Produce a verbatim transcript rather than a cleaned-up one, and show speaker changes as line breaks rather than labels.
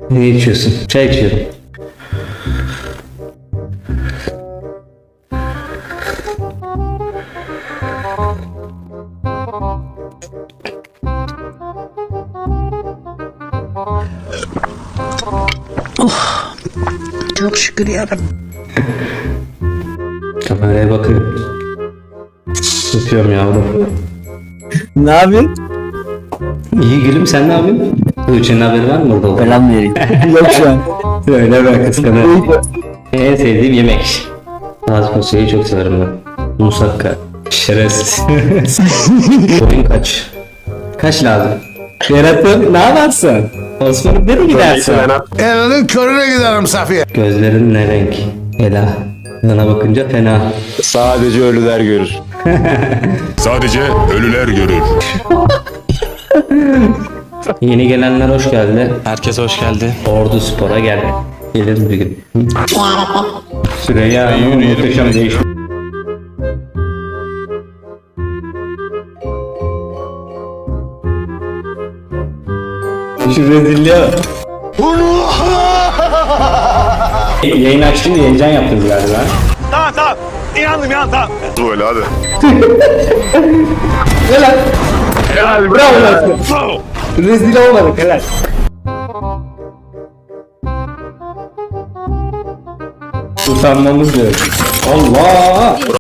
Ne içiyorsun? Çay içiyorum.
Çok şükür yarabbim.
Kameraya bakıyorum. Öpüyorum yavrum.
Ne yapıyorsun?
İyi gülüm, sen ne yapıyorsun? Tuğçe'nin haberi var mı orada?
Selam vereyim. Yok şu an.
Öyle ben kıskanıyorum. En sevdiğim yemek. Taze fasulyeyi çok severim ben. Musakka. Şerefsiz. Boyun kaç? Kaç lazım? Yaratım ne yaparsın? Osman'ım nereye gidersin?
Elinin körüne giderim Safiye.
Gözlerin ne renk? Ela. Sana bakınca fena.
Sadece ölüler görür.
Sadece ölüler görür.
Yeni gelenler hoş geldi.
Herkes hoş geldi.
Ordu Spor'a gel. Geliriz bir gün. Süreyya muhteşem değişim. Şu rezilliğe bak. Yayın açtım diye heyecan yaptınız galiba.
Tamam tamam. İnandım ya tamam. Böyle hadi.
Helal. Helal. Bravo lan. Rezil olmadık helal. Utanmamız diyor. Allah!